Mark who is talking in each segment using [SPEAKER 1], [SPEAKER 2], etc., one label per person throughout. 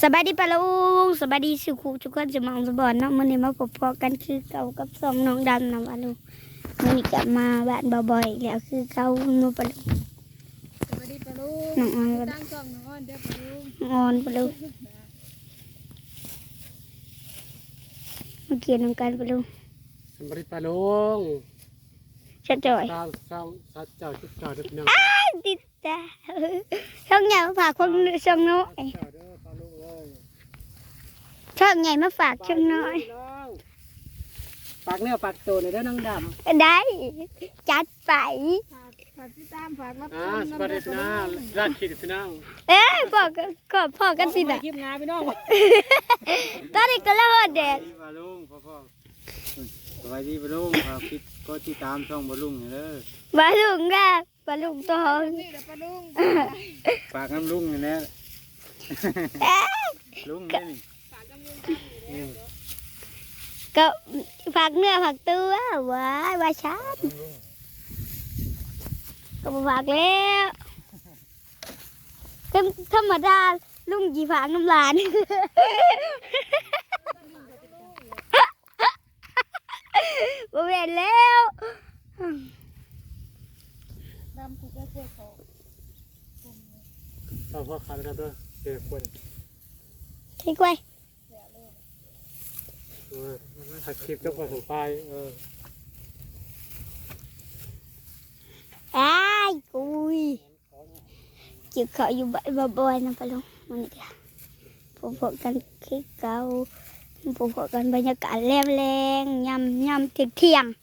[SPEAKER 1] สบายดีปะลุงสบายดีสุขุทุกคนจะมองสบอนเนาะมื้อนี้มาพบพอกันคือเก่ากับสองน้องดำนะวะลุงมื้อนี้กลับมาบ้านบ่อยๆแล้วคือเก่าหนูปะลุง
[SPEAKER 2] สวัสดีปะลุง
[SPEAKER 1] น้องออนปะลุง
[SPEAKER 2] ตั้งกล้องน้องอ้อนเด้อปะลุง
[SPEAKER 1] น้องออนปะลุงมาเกี่ยวน้ำกันปะลุง
[SPEAKER 3] สวัสดีปาลุง
[SPEAKER 1] ชัดจ่อย
[SPEAKER 3] สาวสัตว์เจ้าชุดเจ้าเด็กน้อง
[SPEAKER 1] ติดตาช่องใหญ่มาฝากคนช่องน้อย
[SPEAKER 3] เจ้าเด้อปาลุงเลย
[SPEAKER 1] ช่องใหญ่มาฝากช่องน้อย
[SPEAKER 3] ปากเนื้อปากตัวในเด้อน้องดำ
[SPEAKER 1] ได้จัดไป
[SPEAKER 2] ฝากติดตามฝากรับช
[SPEAKER 3] ส
[SPEAKER 2] ม
[SPEAKER 3] วัสดี
[SPEAKER 2] น้ำ
[SPEAKER 3] พี่
[SPEAKER 2] เด้อ
[SPEAKER 3] น้องราชขีดพี่น้อง
[SPEAKER 1] บอกก็พอกันสินะ
[SPEAKER 3] คลิปงานพี่น้อง
[SPEAKER 1] ตอนนี้ก็แล้วเด็ด
[SPEAKER 4] ปลาลุงพ่อสวัสดีปลาลุงครับคิดก็ที่ตามช่องปลาลุงนี่เด้อบ
[SPEAKER 1] าลุงนะบาลุงตัว
[SPEAKER 2] นี่เด้อปะลุง
[SPEAKER 4] ฝากน้ำลุงนี่แหละลุงนี่นี่
[SPEAKER 2] ฝากกำลังใจอยู่เด้อ
[SPEAKER 1] ก็ผักเนื้อผักตัวว้ายว่าชัดก็บ่ผักแล้วธรรมดาลุงกี่ผักน้ำลานบ่เห็นแล้ว
[SPEAKER 2] ดำผูกและกล้วยเขา
[SPEAKER 3] ต่อพ่อขาดกันด้วยเจอคน
[SPEAKER 1] ที่กล้วย
[SPEAKER 3] ถ่ายคลิปเจ้าของถึงไป
[SPEAKER 1] อ้ายกุยจิบเขาอยู่บ่อยๆนะปะลุงมันนี่ค่ะพบกันคลิปเก่าพบกันบรรยากาศแรงๆยำเที่ยง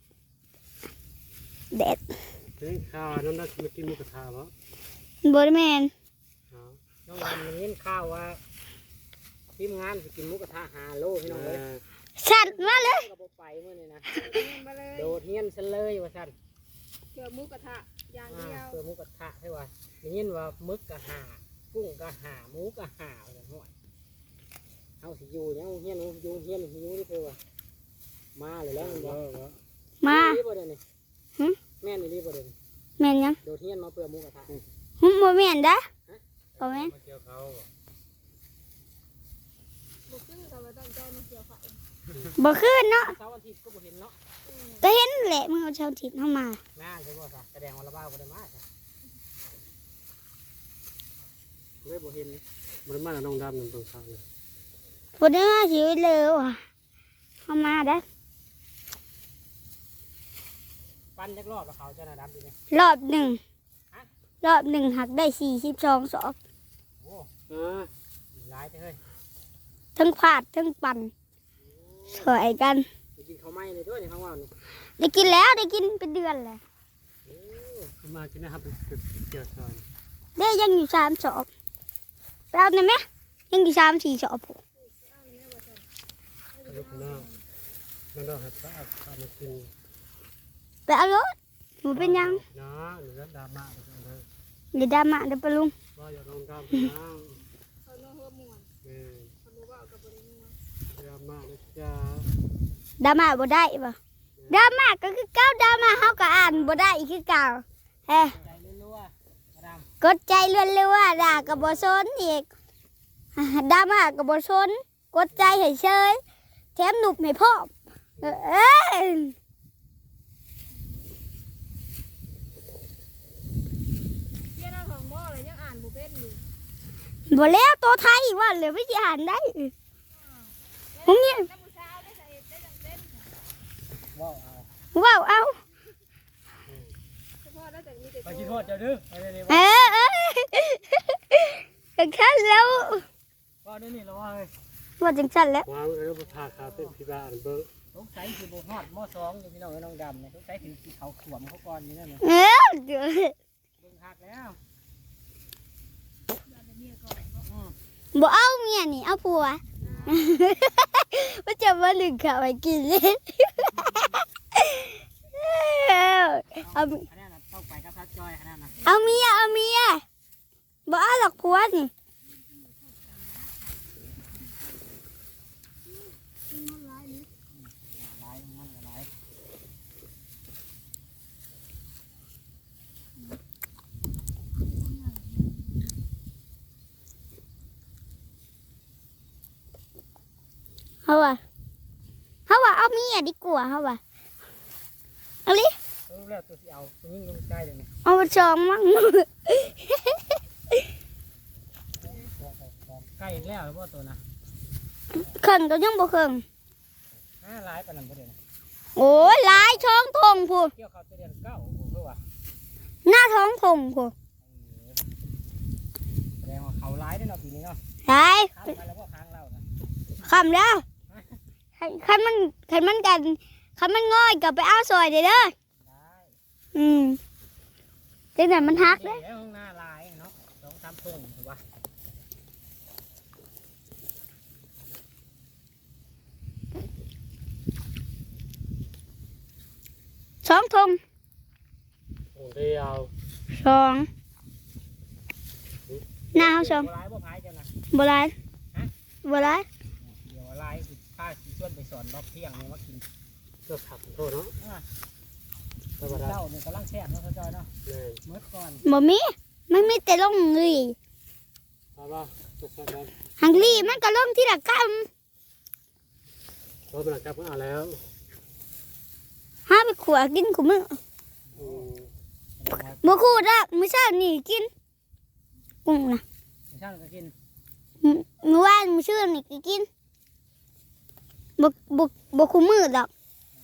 [SPEAKER 1] ๆแดด
[SPEAKER 3] นี่ข้าวน้องนัทมากินหมูกระทะเหรอ
[SPEAKER 1] บ่ได้แม่น
[SPEAKER 5] น้องวันนี้ข่าวว่าทีมงานจะกินหมุกกระทะ5 โลพี่น้องเลย
[SPEAKER 1] สั่นมาเลย
[SPEAKER 5] ก็บ่ไปมื้อนี้นะ
[SPEAKER 2] มาเลย
[SPEAKER 5] โดดเฮียนซะเลยว่าซั่น
[SPEAKER 2] เกี่ยวหมูกระทะอย่างเดียว
[SPEAKER 5] เพื่อหมุกกระทะให้ว่าได้ยินว่าหมึกก็หากุ้งก็หาหมูก็หาว่าซั่นฮ้อยเฮาสิอยู่ยังเฮียนอยู่เฮียนอยู่นี่เพิ่นว่ามาเลยแล้วมันบ่
[SPEAKER 1] มา
[SPEAKER 5] นี่บ่เด้นี่แม่นนี่บ่เด้นี่
[SPEAKER 1] แม่นยัง
[SPEAKER 5] โดดเฮียนมาเพื่อหมุกกระทะ
[SPEAKER 1] บ่แม่นเด้อบ่แม่น
[SPEAKER 4] มาเกี่ยวเขา
[SPEAKER 2] บุกขึ้นกับว่าตั้งใจมาเกี่ยวไฟ
[SPEAKER 1] บ่คืนเนาะ
[SPEAKER 5] เสาร์อาทิตย์ก็บ่เห็นเนาะ
[SPEAKER 1] ก็เห็นแหละมึงเอาชาวถิ่นเข้ามา
[SPEAKER 5] น่าใช่บ่ซะแสดงว่าละบ้าบ่ได้มาซะเลยบ่เห็น
[SPEAKER 3] มันมาน้องดำนั่นตรงข้างเลย
[SPEAKER 1] บ่ได้มาสิเลยว่ะเข้ามาเด้อ
[SPEAKER 5] ปั้นจักรอบแล้วเขาจะน่ะดำดีไหม
[SPEAKER 1] รอบหนึ่งหักได้42ศอก
[SPEAKER 5] โอ้
[SPEAKER 3] อ่า
[SPEAKER 5] หลายเฮ้ย
[SPEAKER 1] ทั้งผาดทั้งปั่นสวยกัน
[SPEAKER 5] ไปกินข้าวไหม้เลยด้วยในข้างว่าวนี่
[SPEAKER 1] ได้กินแล้วได้กินเป็นเดือนแล้ว
[SPEAKER 3] มากินนะครับเป็นเกี่ยวซอย
[SPEAKER 1] ได้ยังอยู่3ศอกไปเอาหน่อยไหมยังอยู่3-4ศอกผม
[SPEAKER 3] ลูกน้องน้องดำหัดข้าวมากิน
[SPEAKER 1] ไปเอารถหนูเป็นยัง
[SPEAKER 3] นะหรือดราม่าเลย
[SPEAKER 1] เดี๋ยวดราม่าเดี๋ยวปะลุง
[SPEAKER 3] ว่าอย่าลงดำพี่น้อง
[SPEAKER 2] เขาโน้เฮือม่วน เขาโน้ว่ากับบริม่วน
[SPEAKER 3] ดราม่านะจ๊ะ
[SPEAKER 1] ดราม่าบ่ได้ปะดราม่าก็คือเก่าดราม่าเฮาก็อ่านบ่ได้อีกคือเก่าเฮ้
[SPEAKER 5] ใจรัวๆมาดาม
[SPEAKER 1] กดใจเรื่อยๆด่าก็บ่สนอีกดราม่าก็บ่สนกดใจให้เฉยแถมหนุบให้พร้อมเอ้ย
[SPEAKER 2] เกี่ยวหน้าของหม้อเลยยังอ่านบุเป็นอยู่
[SPEAKER 1] บ่แล้วตัวไทยว่าเหลือไม่สิอ่านได้ผมเนี่ย
[SPEAKER 2] น้ำมือเช้าได้ใส่ได้จังเต้น
[SPEAKER 5] ว้าวเอา
[SPEAKER 1] ว้าวเอา
[SPEAKER 2] เฉพาะได้จากนี้แต่
[SPEAKER 5] ไปกินโทษเจ้าดื้อไปเลย
[SPEAKER 1] เออจังซั่นแล้ว
[SPEAKER 5] ว่าด้วยนี่เราว่าเลย
[SPEAKER 1] ว่าจังซั่นแล้ว
[SPEAKER 3] วางไว้แล้วพาขาเป็นพี่บ้านเบิ้ง
[SPEAKER 5] สงสัยคือโบฮอดหม้อสองอยู่พี่น้องน้องดำเนี่ยสงสัยถึงที่เขาขวมเขาก่อนนี่นั่นน่ะ
[SPEAKER 1] เออเดี๋ยว
[SPEAKER 5] เบิ่งหักแล้ว
[SPEAKER 1] บ่เอาเมียนี่เอาผัวว่าจะมาลึงข้าวให้กินเลยเอา
[SPEAKER 5] อันนั้นน่ะต้องไปกับทัดจอยอันนั้นน่ะ
[SPEAKER 1] เอาเมียบ่เอาหรอกผัวนี่
[SPEAKER 5] หลายมันก็หลาย
[SPEAKER 1] เขาว่าเอาเมียดีกว่าเขาว่าเอาลิ
[SPEAKER 5] รู้แล้วตัวที่เอาตัวยิ่งลงใกล้เลยเนี่ย
[SPEAKER 1] เอาไปชองมั้ง
[SPEAKER 5] ใกล้แล้วหรือว่าตัวนะ
[SPEAKER 1] เข่งก็ยังบ่เข่ง
[SPEAKER 5] ร้ายปานนั้นบ่เดี๋ยวนะ
[SPEAKER 1] โอ้ยหลายช่องทงพู
[SPEAKER 5] เกี่ยวเขาจะเดือนเก้าเพื่อว่า
[SPEAKER 1] หน้าท้องทงพู
[SPEAKER 5] แสดงว่าเขาร้ายได้เนาะปีนี้เนาะ
[SPEAKER 1] หลาย
[SPEAKER 5] ข้ามไปแล้วก็ค้างเรานะ
[SPEAKER 1] คำแล้วคันมันกันคันมันง่อยกับไปเอาซอยเด้อ
[SPEAKER 5] ได้
[SPEAKER 1] จังไหนมันฮักเด้อ
[SPEAKER 5] แล้วห้องหน้าร้ายเนาะ2-3ทุ่งถูกป่ะ
[SPEAKER 1] สองทง
[SPEAKER 5] โอ้เดียว
[SPEAKER 1] สองหน้าเขาสอง
[SPEAKER 5] ร้ายบ่พายจังนะ
[SPEAKER 1] โบราณโบราณ
[SPEAKER 5] เดี๋ยวร้ายพาสิชวนไปสอนรอบเที่ยงเนี่ยว่ากินเกือบขับโทษเนาะเจ้าเนี่ยกำลังแซ่บเนาะเขาจอยเนาะเมื่อก่อน
[SPEAKER 1] บ่มีมันมีแต่ลงเงย
[SPEAKER 5] มาบ่ตกกัน
[SPEAKER 1] หังลีมันก็ลงที่ละก
[SPEAKER 5] โทษมันกลับมาแล้ว
[SPEAKER 1] ำห้าไปขวกินขูมือบ่ขูดอ่ะมื้อเช้านี่กินกุ้งนะ
[SPEAKER 5] ช่างก็กิน
[SPEAKER 1] มื้อวานมื้อชื่อนี่ก็กินบ่ขูมือดอก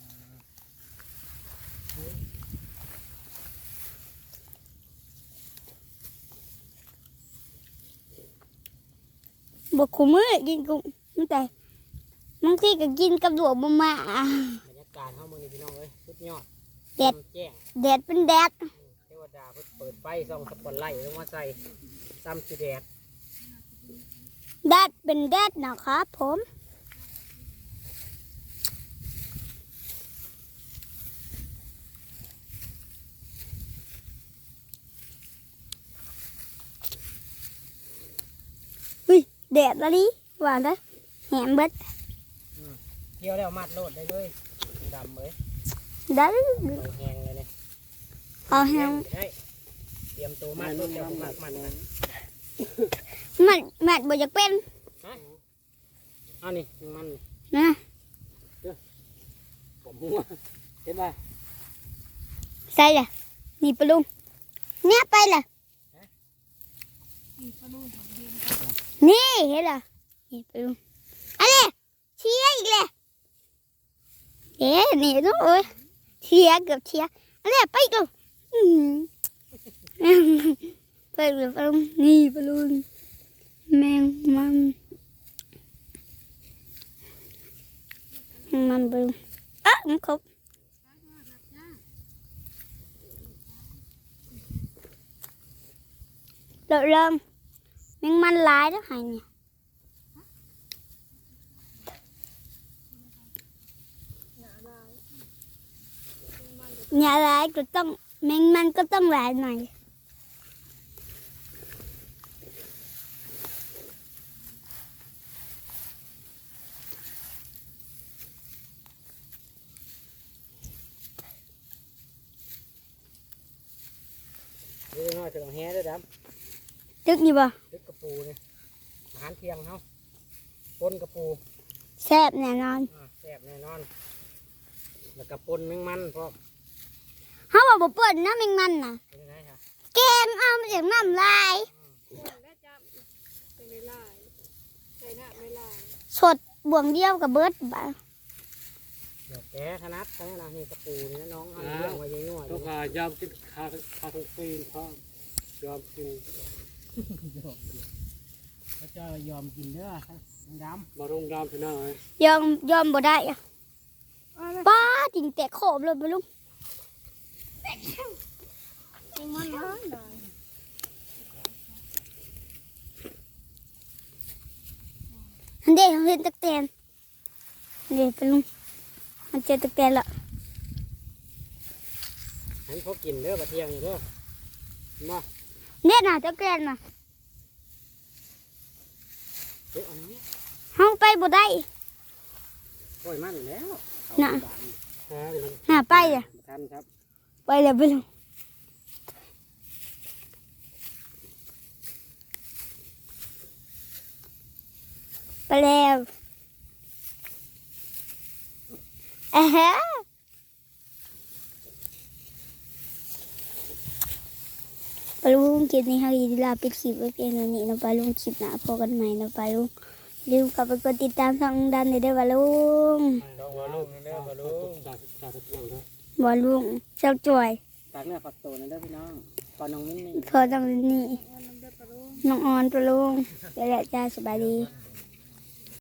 [SPEAKER 1] บ่ขูมือกินกุ้งมันแต่บางทีก็กินกับดวกบ่มา
[SPEAKER 5] บรรยากาศเข้าเมืองนี่พี่น้องเอ้ยสุดยอด
[SPEAKER 1] แดด
[SPEAKER 5] แจ้ง
[SPEAKER 1] แดดเป็นแดด
[SPEAKER 5] เทวดาเปิดไฟส่องสปอตไลท์ลงมาใส่ซ้ำสีแดด
[SPEAKER 1] แดดเป็นแดดนะครับผมแดดละดิว่าได้แหมเบิด
[SPEAKER 5] เที่ยวแล้วมัดโลดได้เลยดำเลย
[SPEAKER 1] ได้
[SPEAKER 5] เอาแห้งเลยเนี่ย
[SPEAKER 1] เอาแฮง
[SPEAKER 5] ได้เตรียมตัวมัดโลดแล้วมัดนะ
[SPEAKER 1] มันบ่อยากเป็น
[SPEAKER 5] เอานี่มัน
[SPEAKER 1] นะ
[SPEAKER 5] ผมหัวเห็นป่ะ
[SPEAKER 1] ใส่ละนี่ปะลุงเนี่ยไปละนี่เห็นละนี่ปะลุงอะไรเชียร์อีกเลยนี่น้องเอ้ยเชียร์เกือบเชียร์อะไรไปอีกแล้วไปเลยปะลุงนี่ปะลุงแมงมันปะลุงมันครบเริ่มแมงมันหลายแล้วหายเนี่ยอย่าหลายก็ต้องแมงมันก็ต้องหลายหน่อย
[SPEAKER 5] เดี๋ยวน้อยจะต้องแห่ด้วยด
[SPEAKER 1] ตึกนี่บ่
[SPEAKER 5] ำลึกกระปูเนี่ยอาหารเที่ยงเขาปนกระปู
[SPEAKER 1] แซ่บแน่นอน
[SPEAKER 5] แซ่บแน่นอนแล้วก็ปนแมงมันเพราะ
[SPEAKER 1] เขาบอกบ่เปิดน้ำแมงมันน่ะ
[SPEAKER 5] เป็นยังไงคะ
[SPEAKER 1] แกงเอามาจากน้ำลาย
[SPEAKER 2] ได้จับเป็นเวลาใส่หน้าเวลา
[SPEAKER 1] สดบ่วงเดียวกับเบิดบ่า
[SPEAKER 5] เดี๋ยวแกถนัดใช่ไหมล่ะนี่กระปูนี่นะน้องเอาเรื่องไว้ยังง่อย
[SPEAKER 3] ต้องยอมกินคาทั้งปีนเพราะยอมกิน
[SPEAKER 5] ก็จะยอมกินเด้อดำ
[SPEAKER 3] มาลงดามพี่น้องเลย
[SPEAKER 1] ยอมบ่ได้อะป้าจริงแต่ขอบเลยบ่ลุง
[SPEAKER 2] มันร้อนได้
[SPEAKER 1] อันเด็กเห็นตะแตนเด็กไปลุงมันเจอตะแตนละ
[SPEAKER 5] ให้พวกกินเด้อบัดเที่ยงเด้อมา
[SPEAKER 1] เนี่ยน่ะตะแตนน่ะ
[SPEAKER 5] เดี๋ยวอันนี้
[SPEAKER 1] เฮาไปบ่ได้
[SPEAKER 5] ปล่อยมันแล้ว
[SPEAKER 1] น่ะ
[SPEAKER 5] มัน
[SPEAKER 1] น่ะไปอ่ะ
[SPEAKER 5] ทันครับ
[SPEAKER 1] ไปแล้วไปลุงไปแล้วฮะปลาลุงคลิปนี้เฮาอีลาปิดคลิปไว้เพียงเท่านี้นะปลาลุงคลิปหน้าพบกันใหม่นะปลาลุงลืมกลับไปกดติดตามช่องดันเลยเด้อปลาลุง
[SPEAKER 4] ช่องบ่ลุงนี่เด้อบ่ลุง
[SPEAKER 1] บอลุงเจ้าจ่อย
[SPEAKER 5] ฝากเนื้อฝากตัวนะเด้อพี่น้องปอน้องมิ้นนี่
[SPEAKER 1] พอต้องนี่
[SPEAKER 2] น้ำเดือดปลาลูก
[SPEAKER 1] น้องออนปลาลุงไปแล้วจ้าสบายดี
[SPEAKER 4] เ